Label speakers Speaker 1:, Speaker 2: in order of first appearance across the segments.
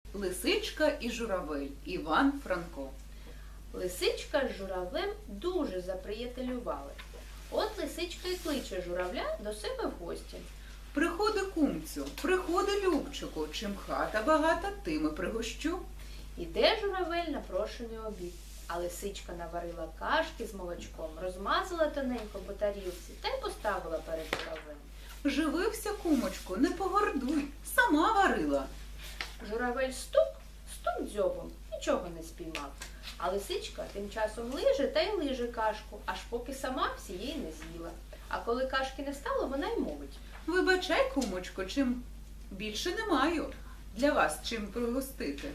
Speaker 1: Лисичка і журавель. Іван Франко.
Speaker 2: Лисичка з журавлем дуже заприятелювали. От лисичка й кличе журавля до себе в гості.
Speaker 1: Приходи, кумцю, приходи, любчику, чим хата багата, тим і пригощу.
Speaker 2: Іде журавель на прошений обід, а лисичка наварила кашки з молочком, розмазала тоненько по тарілці та й поставила перед журавлем.
Speaker 1: Живився, кумочку, не погордуй, сама варила.
Speaker 2: Журавель стук дзьобом, нічого не спіймав. А лисичка тим часом лиже та й лиже кашку, аж поки сама всієї не з'їла. А коли кашки не стало, вона й мовить.
Speaker 1: Вибачай, кумочко, чим більше не маю для вас чим пригостити.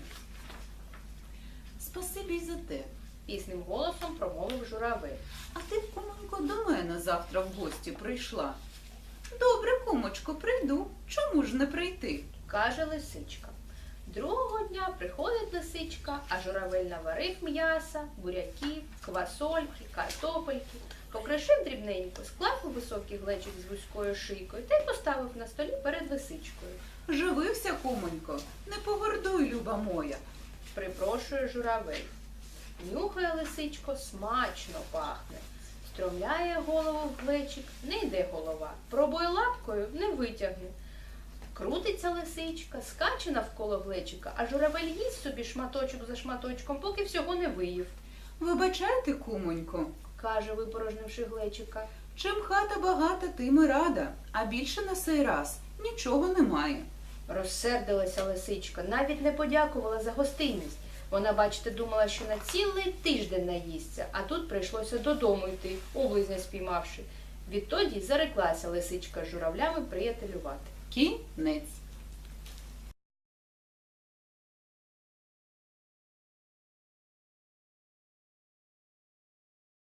Speaker 1: Спасибі й за те.
Speaker 2: Пісним голосом промовив журавель.
Speaker 1: А ти, кумонько, до мене завтра в гості прийшла. Добре, кумочко, прийду. Чому ж не прийти?
Speaker 2: Каже лисичка. Другого дня приходить лисичка, а журавель наварив м'яса, буряків, квасольки, картопельки, покришив дрібненько, склав у високий глечик з вузькою шийкою та й поставив на столі перед лисичкою.
Speaker 1: Живився, кумонько, не погордуй, люба моя.
Speaker 2: Припрошує журавель. Нюхає лисичко, смачно пахне. Стромляє голову в глечик, не йде голова. Пробує лапкою, не витягне. Крутиться лисичка, скаче навколо глечика, а журавель їсть собі шматочок за шматочком, поки всього не виїв.
Speaker 1: Вибачайте, кумонько,
Speaker 2: Каже, випорожнивши глечика.
Speaker 1: чим хата багата, тим і рада, а більше на сей раз нічого немає.
Speaker 2: Розсердилася лисичка, навіть не подякувала за гостинність. Вона, бачите, думала, що на цілий тиждень наїсться, а тут прийшлося додому йти, облизня спіймавши. Відтоді зареклася лисичка з журавлями приятелювати.
Speaker 1: Кінець.